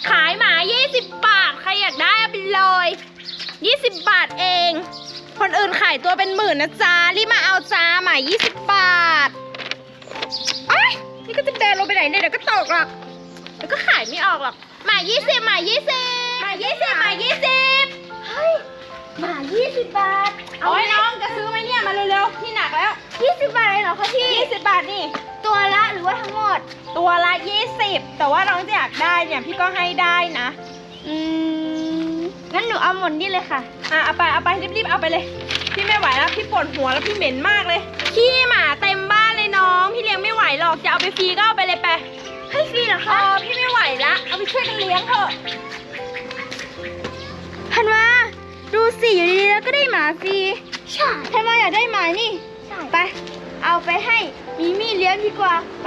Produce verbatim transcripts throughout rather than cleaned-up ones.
ขายหมายี่สิบบาทใครอยากได้เอาไปเลยยี่สิบบาทเองคนอื่นขายตัวเป็นหมื่นนะจ๊ะรีบมาเอาจ้าหมายี่สิบบาทเอ้ยนี่ก็จะเดินลงไปไหนเนี่ยเดี๋ยวก็ตกหรอกเดี๋ยวก็ขายไม่ออกหรอกหมายี่สิบหมายี่สิบหมายี่สิบหมายี่สิบเฮ้ยหมายี่สิบบาทเอาไว้น้องจะซื้อไหมเนี่ยมาเร็วๆที่หนักแล้วยี่สิบบาทเลยเหรอคะพี่ยี่สิบบาทนี่ตัวละหรือว่าทั้งหมดตัวละยี่สิบแต่ว่าน้องจะอยากได้เนี่ยพี่ก็ให้ได้นะอืมงั้นหนูเอาหมดนี่เลยค่ะอ่ะเอาไปเอาไปรีบๆเอาไปเลยพี่ไม่ไหวแล้วพี่ปวดหัวแล้วพี่เหม็นมากเลยขี้หมาเต็มบ้านเลยน้องพี่เลี้ยงไม่ไหวหรอกจะเอาไปฟรีก็เอาไปเลยไปให้ฟรีเหรอคะอ๋อพี่ไม่ไหวละเอาไปช่วยกันเลี้ยงเถอะธันวาดูสิอยู่ดีๆแล้วก็ได้หมาฟรีใช่ธันวาอยากได้หมานี่ใช่ไปเอาไปให้มิมี่เลี้ยงดีกว่าไป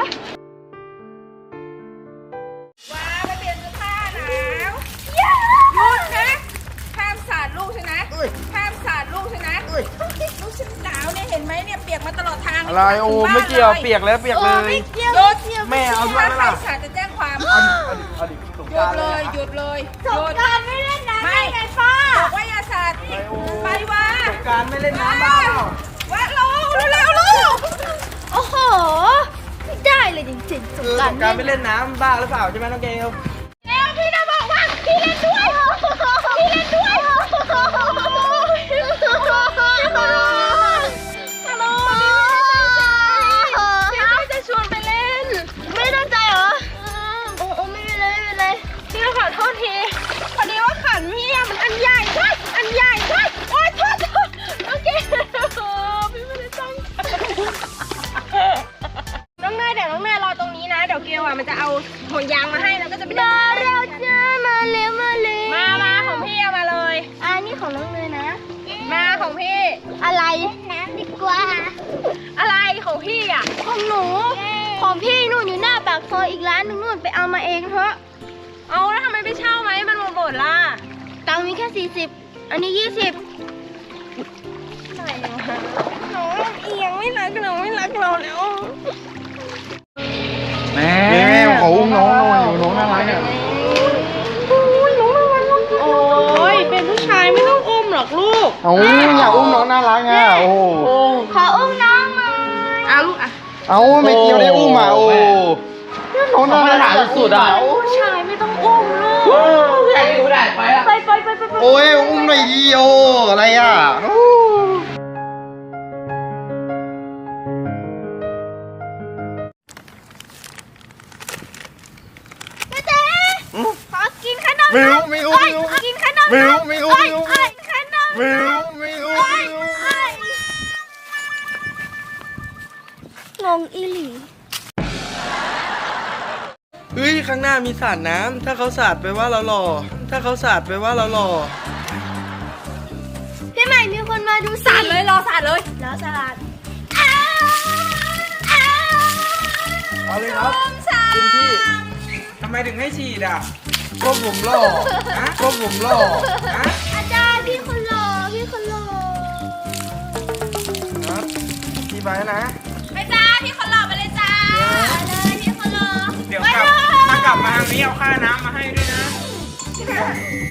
ว้าไปเปลี่ยนเสื้อผ้าหนาวหยุดนะห้ามสาดลูกใช่ไหมห้ามสาดลูกใช่ไหมลูกฉันหนาวเนี่ยเห็นไหมเนี่ยเปียกมาตลอดทางอะไรโอ้ไม่เกี่ยวเปียกแล้วเปียกเลยหยุดแม่เอาด้วยล่ะสาดจะแจ้งความเอาดิเอาดิสงหยุกราดรเลยหยุดเลยหยุดการไม่เล่นน้ำไม่ไงป้าบอกว่าอย่าสาดไปว่าสงกรารไม่เล่นน้ำบ้าว่าลงเร็วๆลูกโอ้โหไม่ได้เลยจริงๆสคืงอกรารสงกรารไม่เล่นน้ำบ้าหรือเปล่าใช่ไหมน้องเกลแล้วพี่จะบอกว่าพี่เล่นด้วยพี่เล่นด้วยพี่ขอโทษพี่ขอโทษพี่จะชวนไปเล่นไม่ตั้งใจเหรอโอ้โอ้ไม่เป็นไรไม่เป็นไรพี่ขอโทษทีพอดีว่าขันพี่อะมันอันใหญ่ใช่อันใหญ่ใช่โอ๊ยโทษโทษโอเคพี่ไม่ได้ตั้งน้องเนยเดี๋ยวน้องเนยรอตรงนี้นะเดี๋ยวเกลอ่ะมันจะเอาห่วงยางมาให้แล้วก็จะไปมาเราจะมาเร็วมาเลยมามาของพี่เอามาเลยอันนี้ของน้องเนยนะมาของพี่อะไรน้ำดีกว่าอะไรของพี่อ่ะของหนูของพี่นู่นอยู่หน้าปากซอยอีกร้านนึงนู่นไปเอามาเองเถอะเอาแล้วทำไมไม่เช่าไหมมันหมดหมดล่ะตังค์มีแค่สี่สิบอันนี้ยี่สิบไหนวะน้องเอียงไม่รักเราไม่รักเราแล้วแม่แม่ขออุ้มน้องหน่อยน้องน่ารักเนี่ยโอ้ยน้องน่ารักโอ้ยเป็นผู้ชายไม่ต้องอุ้มหรอกลูกเอาอยากอุ้มน้องน่ารักอ่ะโอ้ขออุ้มน้องหน่อยเอาลูกอ่ะเอาไม่เกี่ยวได้อุ้มอ่ะโอ้น้องน่ารักสุดอ่ะผู้ชายไม่ต้องอุ้มลูกใครดูได้ไปอ่ะไปไปไปไปโอ้ยอุ้มหน่อยดิโออะไรอ่ะขอกินขนมไม่รู้ไม่รู้ไม่รู้กินขนมไม่รู้ไม่รู้ไม่รู้ขนมไม่รู้ไม่รู้ไม่รู้งงอีหลีเฮ้ยข้างหน้ามีสาดน้ำถ้าเขาสาดไปว่าเราหล่อถ้าเขาสาดไปว่าเราหล่อพี่ใหม่มีคนมาดูสาดเลยรอสาดเลยรอสาดเอาเลยครับคุณพี่ทำไมถึงให้ฉีดอ่ะก็ผมหล่อนะก็ผมหล่อนะอาจารย์พี่คนหล่อพี่คนหล่อครับพี่ไปนะไปจ้าพี่คนหล่อไปเลยจ้าเลยพี่คนหล่อเดี๋ยวกลับถ้ากลับมาทางนี้เอาค่าน้ำมาให้ด้วยนะ